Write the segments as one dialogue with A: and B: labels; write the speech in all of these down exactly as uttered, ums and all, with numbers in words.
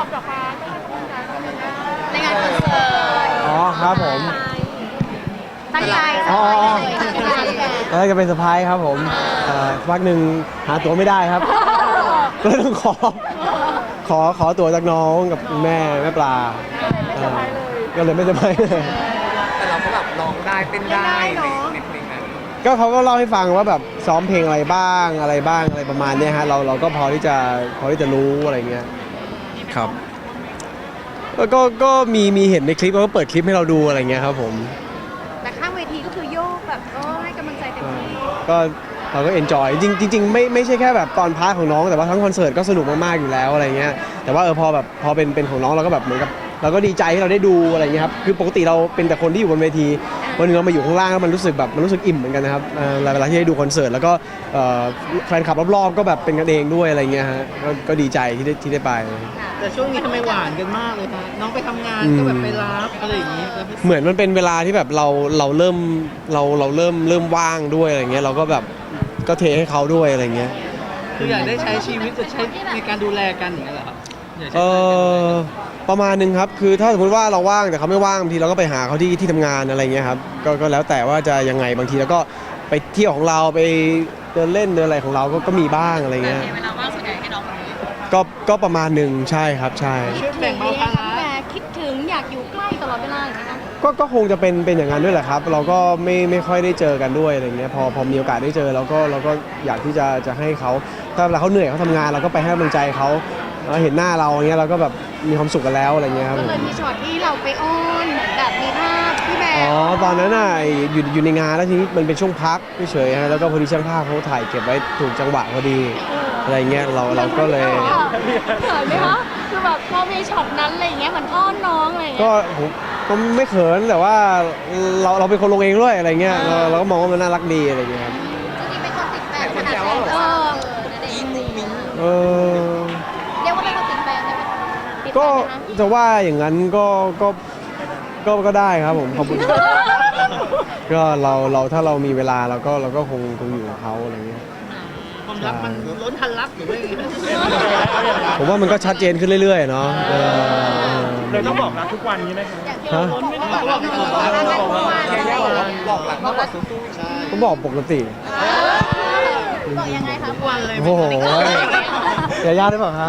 A: บเหรอคะก็ให้กำลังใจเราเลยนะ
B: ในงานคอนเสิร์ต
C: อ๋อครับผม
B: ตั้งใจ
C: อ๋อ
B: ตั้งใจ
C: ตอนแรกจะเป็นเซอร์ไพรส์ครับผมเอ่อพักหนึ่งหาตั๋วไม่ได้ครับ ก็เลยต้องขอ ขอขอตั๋วจากน้องกับคุณแม่แม่ปลาเอ่อก็เลยไม่เซอร์ไพรส์เลย
D: แต่เราก็แบบร้องได้เต้นได้ในในเพลงนั้น
C: ก็เขาก็เล่าให้ฟังว่าแบบซ้อมเพลงอะไรบ้างอะไรบ้างอะไรประมาณเนี้ยฮะเราเราก็พอที่จะพอที่จะรู้อะไรเงี้ยครับแล้วก็ก็มีมีเห็นในคลิปเขาก็เปิดคลิปให้เราดูอะไรเงี้ยครับผม
B: แต่ข้างเวทีก็คือโยกแบบโอ้ให้กำลังใจเต็มที่
C: ก็เราก็เอนจอยจริงจริงๆไม่ไม่ใช่แค่แบบตอนพาร์ทของน้องแต่ว่าทั้งคอนเสิร์ตก็สนุกมากๆอยู่แล้วอะไรเงี้ยแต่ว่าเออพอแบบพอเป็นเป็นของน้องเราก็แบบเหมือนกับเราก็ดีใจที่เราได้ดูอะไรเงี้ยครับคือปกติเราเป็นแต่คนที่อยู่บนเวทีวันหนึงเรามาอยู่ข้างล่างแล้วมันรู้สึกแบบมันรู้สึกอิ่มเหมือนกันนะครับเอ่อเวลาที่ได้ดูคอนเสิร์ตแล้วก็เอ่อแฟนคลับรอบๆก็แบบเป็นกันเองด้วยอะไรเงี้ยฮะก็ก็ดีใจที่ได้ที่ได้ไป
E: แต่ช่วงนี้ทำไมหวานกันมากเลยคะน้องไปทำงานก็แบบไปรับอะไรอย่างนี้แล้วพี่
C: เหมือนมันเป็นเวลาที่แบบเราเราเริ่มเราเราเริ่มเริ่มว่างด้วยอะไรเงี้ยเราก็แบบก็เทให้เขาด้วยอะไรเงี้ย
E: คืออยากได้ใช้ชีวิตจะใช้ในการดูแลกันอย่างนี้ยเหรอครับอยาก
C: เอ
E: ใช้เวลากัน
C: อประมาณนึงครับคือถ้าสมมติว่าเราว่างแต่เขาไม่ว่างบางทีเราก็ไปหาเขาที่ที่ทำงานอะไรเงี้ยครับก็ก็แล้วแต่ว่าจะยังไงบางทีแล้วก็ไปเที่ยวของเราไปเดินเล่นเดินอะไรของเราก็ก็มีบ้างอะไรเงี้ย
B: เวลาว่างส่วนใหญ่ให้น้องคนนี้
C: ก็ก็ประมาณหนึ่งใช่ครับใช่
E: ช่วยแบ่งเบาภาระ
B: แต่คิดถึงอยากอยู่ใกล้ตลอดเวลาอย่างนี้นะ
C: ก็ก็คงจะเป็นเป็นอย่างนั้นด้วยแหละครับ เราก็ไม่ไม่ค่อยได้เจอกันด้วยอะไรเงี้ยพอพอมีโอกาสได้เจอเราก็เราก็อยากที่จะจะให้เขาถ้าเวลาเขาเหนื่อยเขาทำงานเราก็ไปให้กำลังใจเขาเราเห็นหน้าเราอย่างเงี้ยเราก็แบบมีความสุขกันแล้วอะไรเงี้ยครับ
B: ก็
C: ผม
B: เลยมีช็อตที่เราไปอ้อนเหมือนแบบมีภาพพี่แบ
C: อ๋อ
B: ร์
C: ตอนนั้นน่ะอยู่อยู่ในงานแล้วทีนี้มันเป็นช่วงพักเฉยๆฮะแล้วก็พอดีช่างภาพเขาถ่ายเก็บไว้ถูกจังหวะพอดีอะไรเงี้ยเราเราก็เลย
B: เขินไหมคะคือแบบพอมีช็อตนั้นอะไรอย่างเงี้ยเหมือนอ้อนน้องอะไรอย่าง
C: ก็
B: เงี้ย
C: ผมก็ไม่เขินแต่ว่าเราเราเป็นคนลงเองด้วยอะไรเงี้ยเราเราก็มองว่ามันน่ารักดีอะไรเงี้ยครับ
B: จริงๆเป็นคนติดแฟนข
D: แต่คน
B: นาด
D: แซว
B: ไหน
D: ว่าแบบ
B: เอ
D: ว่า
B: อ
D: อีมุ้งมิ้ง
C: เออ
B: เรียกว่าเป็นคนติดแฟนได้ไหมติดแฟ
C: ก็
B: นไหมคะ
C: จะว่าอย่างนั้นก็ก็ก็ก็ได้ครับผมขอบคุณ ก็เราเราถ้าเรามีเวลาเราก็เราก็คงคงอยู่กับเขาอะไรเงี้ย
E: ความรักมันล้นทันรักหรือว่ายังไง
C: ผมว่ามันก็ชัดเจนขึ้นเรื่อยๆเนาะเออ
A: เลยต้องบอกรักทุกวันนี้ไหมคะ
B: อย่างที่เราบอกว่าแบบเออรักกันทุกวัน
D: ยาย่าบอกว่าบอกหลังมากกว่าสู้
C: ผมบอกปกติ
B: บอกยังไงคะ
E: ทุกวันเลย
C: โอ้โหยาย่าได้เปล่าฮะ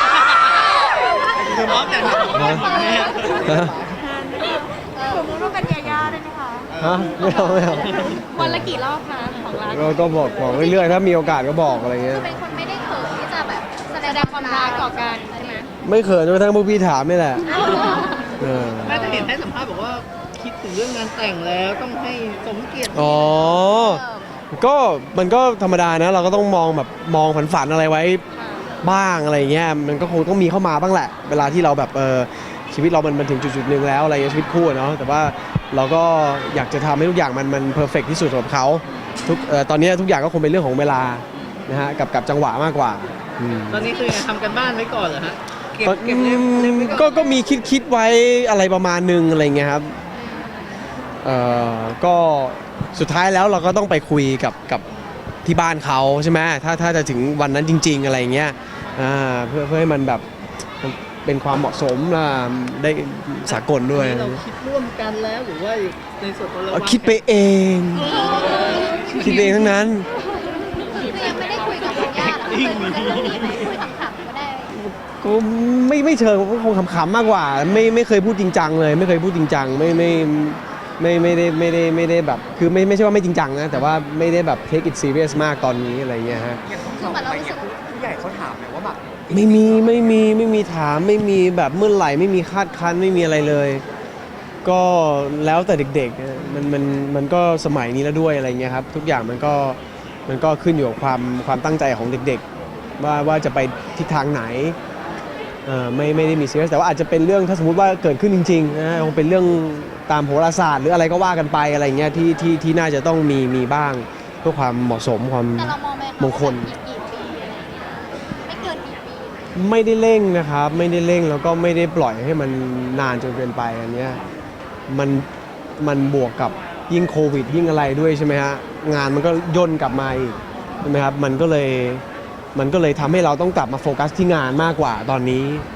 E: คือร้องแต่หนักมากเนี่ย
C: ฮะ
B: สมมติว่าเป็นยาย่าได้ไหมคะ
C: ฮะไม่เอาไม่เอา
B: วันละกี่รอบคะของรัก
C: ก็ก็บอกบอกเรื่อยๆถ้ามีโอกาสก็บอกอะไรเงี้ย
B: คือเป็นคนไม่ได้เขินที่จะแบบแสดงความรักต่อกันใช่ไหม
C: ไม่เขินจนกระทั่งพวกพี่ถามนี่แหละเออ
E: แม่จะเห็นให้สัมภาษณ์บอกว่าคิดถึงเรื่องงานแต่งแล้วต้องให้สมเกียรติ
C: อ๋อ ก็มันก็ธรรมดานะ เราก็ต้องมองแบบมองฝันๆอะไรไว้บ้างอะไรเงี้ยมันก็คงต้องมีเข้ามาบ้างแหละ เวลาที่เราแบบเออชีวิตเรามันมันถึงจุดๆหนึ่งแล้วอะไรเงี้ยชีวิตคู่อะเนาะแต่ว่าเราก็อยากจะทำให้ทุกอย่างมันมันเพอร์เฟกที่สุดสำหรับเขาทุกเอ่อตอนนี้ทุกอย่างก็คงเป็นเรื่องของเวลานะฮะกับกับจังหวะมากกว่าอืม
E: ตอนนี้คือยังไงทำกันบ้านไว้ก่อนเหรอฮะเก็บ
C: ก็
E: เก็บเล่มเล่มไว้
C: ก็
E: ก่อน
C: ก็มีคิดคิดไว้อะไรประมาณนึงอะไรเงี้ยครับเอ่อก็สุดท้ายแล้วเราก็ต้องไปคุยกับกับที่บ้านเขาใช่ไหมถ้าถ้าจะถึงวันนั้นจริง ๆ อะไรเงี้ยอ่าเพื่อเพื่อให้มันแบบมันเป็นความเหมาะสมนะได้สากลด้วย
E: เราคิดร่วมกันแล้วหรือว่าในส่วนตัวเรา
C: เอาคิดไปเอง คิดเองทั้งนั้น
B: คือยังไม่ได้คุยกับยาย่าหรอกคุยขำๆก็ได้
C: ก็ไม่ไม่เชิงก็คงขำๆมากกว่า ไม่ไม่เคยพูดจริงจังเลย ไม่เคยพูดจริงจังไม่ไม่ไม่ไม่ได้ไม่ได้ไม่ได้แบบคือไม่ไม่ใช่ว่าไม่จริงจังนะแต่ว่าไม่ได้แบบ take it serious มากตอนนี้อะไรเงี้ยฮะ
D: อย่างของเราไปเนี่ยผู้ใหญ่เขาถามเลยว่าแบบ
C: ไม่มีไม่มีไม่มีถามไม่มีแบบเมื่อไหร่ไม่มีคาดคั้นไม่มีอะไรเลย ก็แล้วแต่เด็กๆมันมันมันก็สมัยนี้แล้วด้วยอะไรเงี้ยครับทุกอย่างมันก็มันก็ขึ้นอยู่กับความความตั้งใจของเด็กๆ ว่าว่าจะไปทิศทางไหนเอ่อไม่ไม่ได้มีซีเรียสแต่ว่าอาจจะเป็นเรื่องถ้าสมมติว่าเกิดขึ้นจริงๆนะคงเป็นเรื่องตามโหราศาสตร์หรืออะไรก็ว่ากันไปอะไรเงี้ยที่ที่ที่น่าจะต้องมีมีบ้างเพื่อความเหมาะสมความ
B: แต่เรามองไหมคะ
C: มงคล
B: ว่าแบบกี่ปีอะไรอย่างเงี้ยไม่เกินกี่ปี
C: ไม่ได้เร่งนะครับไม่ได้เร่งแล้วก็ไม่ได้ปล่อยให้มันนานจนเกินไปอันเนี้ยมันมันบวกกับยิ่งโควิดยิ่งอะไรด้วยใช่ไหมฮะงานมันก็ย่นกลับมาอีกใช่ไหมครับมันก็เลยมันก็เลยทำให้เราต้องกลับมาโฟกัสที่งานมากกว่าตอนนี้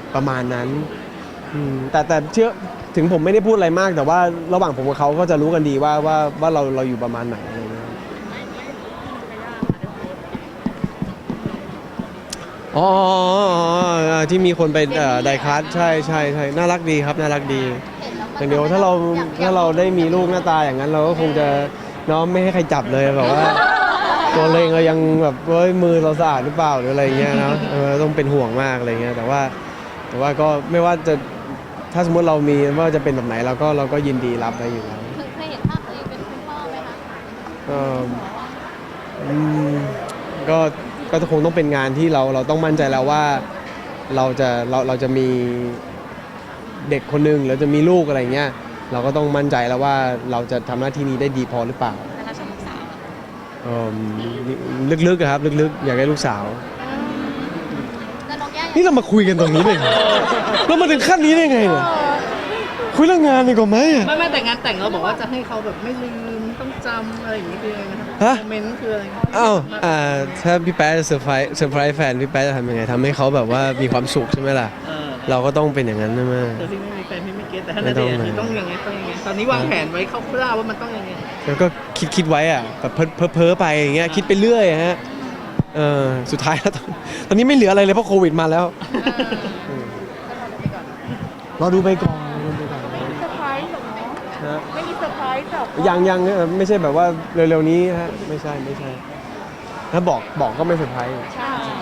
C: ประมาณนั้นอืมแต่แต่เชื่อถึงผมไม่ได้พูดอะไรมากแต่ว่าระหว่างผมกับเขาก็จะรู้กันดีว่าว่าว่าเราเราอยู่ประมาณไหนอะไรเงี้ยอ๋ออ๋อที่มีคนไปไดคัสใช่ใช่ใช่น่ารักดีครับน่ารักดีอย่างเดียวถ้าเราถ้าเราได้มีลูกหน้าตาอย่างนั้นเราก็คงจะน้องไม่ให้ใครจับเลยแบบว่า ตัวเราเองเรายังแบบเฮ้ยมือเราสะอาดหรือเปล่าหรืออะไรเงี้ยนะเออต้องเป็นห่วงมากอะไรเงี้ยแต่ว่าแต่ว่าก็ไม่ว่าจะถ้าสมมติเรามีว่าจะเป็นแบบไหนเราก็เราก็ยินดีรับได้อยู่แล้ว
B: เคยเห็นภาพตัวเองเป็นคุณพ่อไหมคะ
C: เอ่ออืมก็ก็คงต้องเป็นงานที่เราเราต้องมั่นใจแล้วว่าเราจะเราเราจะมีเด็กคนหนึงเราจะมีลูกอะไรเงี้ยเราก็ต้องมั่นใจแล้วว่าเราจะทำหน้าที่นี้ได้ดีพอหรือเปล่า
B: แต่เราชอบลูกสาวอะ
C: เอิ่มลึกๆอะครับลึกๆอยากได้ลูกสาว
B: แล้วน้องย่าอยาก
C: นี่เรามาคุยกันตรงนี้เลยเรามาถึงขั้นนี้ได้ไงเนี่ยคุยเรื่องงานดีกว่าไหมอะ
E: ไม่ไม่แต่งานแต่งเราบอกว่าจะให้เขาแบบไม่ลืมต้องจำอะไรอย่างนี้คืออะไรนะ
C: ฮะ
E: โมเมนต์คืออะไร
C: อ้าวอ่าถ้าพี่แป๊ะจะเซอร์ไพรส์เซอร์ไพรส์แฟนพี่แป๊ะจะทำยังไงทำให้เขาแบบว่ามีความสุขใช่ไหมล่ะ
E: เออ
C: เราก็ต้องเป็นอย่างนั้นใช่ไหม
E: แต่พี่ไม่มีแฟนพี่ไม่เก็ตแต่ถ้า
C: ไม่
E: นา
C: ต้
E: เด
C: อง
E: ชน์คือต้องยังไงต้องยังไงตอนนี้วางแผนไว้คร่าวๆว่ามันต้องยังไง
C: แล้วก็คิดคิดไว้อะแบบเพ้อเพ้อเพ้อไปอย่างเงี้ยคิดไปเรื่อยอะฮะเออสุดท้ายแล้วตอนตอนนี้ไม่เหลืออะไรเลยเพราะโควิดมาแล้วรอดูไปก่อนรอดูไปก่อน
A: เซอร์ไพรส์หรอ
C: ฮะ
A: ไม่มีเซอร์ไพรส์หรอก
C: ยังยังเออไม่ใช่แบบว่าเร็วๆนี้ฮะไม่ใช่ไม่ใช่ถ้าบอกบอกก็ไม่เซอร์ไพรส์
A: ใช่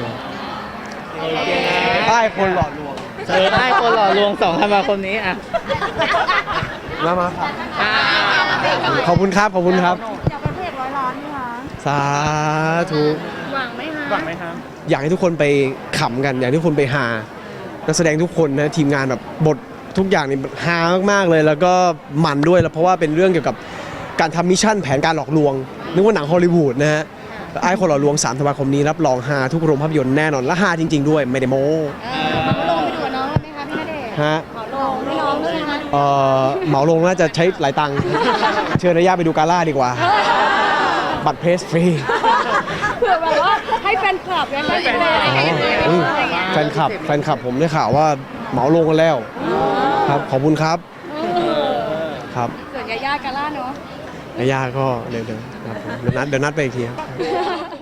C: ใต้คนหลอดลวง
E: เออได้คนหล่อลวงสองธันวาคมนี้อ่ะ
C: มามาครับ
E: อ่า
C: ขอบคุณครับขอบคุณครับ
A: อยากเป็นเพจร้อยล้านไหมคะ
C: สาธุ
A: หวังไหมคะหวังไหมคะ
C: อยากให้ทุกคนไปขำกัน อยากให้ทุกคนไปฮานักแสดงทุกคนนะทีมงานแบบบททุกอย่างนี่ฮามากๆเลย แล้วก็มันด้วยแล้วเพราะว่าเป็นเรื่องเกี่ยวกับการทำมิชชั่นแผนการหลอกลวงนึกว่าหนังฮอลลีวูดนะฮะไอ้คนหลอกลวงสามธันวาคมนี้รับรองฮาทุกโรงภาพยนตร์แน่นอนและฮาจริง ๆ ด้วยไม่ได้โม้
B: เออมาลงไปดูกับน้องเลยไหมคะพี่ณเดชน์
C: ฮะ
B: ขอลงให้น้องด้วยนะ
C: เอ่อเหมาลงน่าจะใช้หลายตังค์เชิญนายาไปดูกาล่าดีกว่า บัตรเพรสฟรี
B: เผื่อแบบว่าให้แฟนคลับเนี่ยให้แฟนคลับให้แฟนคลับ
C: อุ๊ย
B: อะไรอย่างเงี้ย
C: แฟนคลับแฟนคลับผมได้ข่าวว่าเหมาลงกันแล้วครับขอบคุณครับครับ
B: ส่วนยาย่ากาล่าเนาะ
C: นายาก็เดี๋ยวเดี๋ยวครับผมเดี๋ยวนัดเดี๋ยวนัดไปอีกทีครับ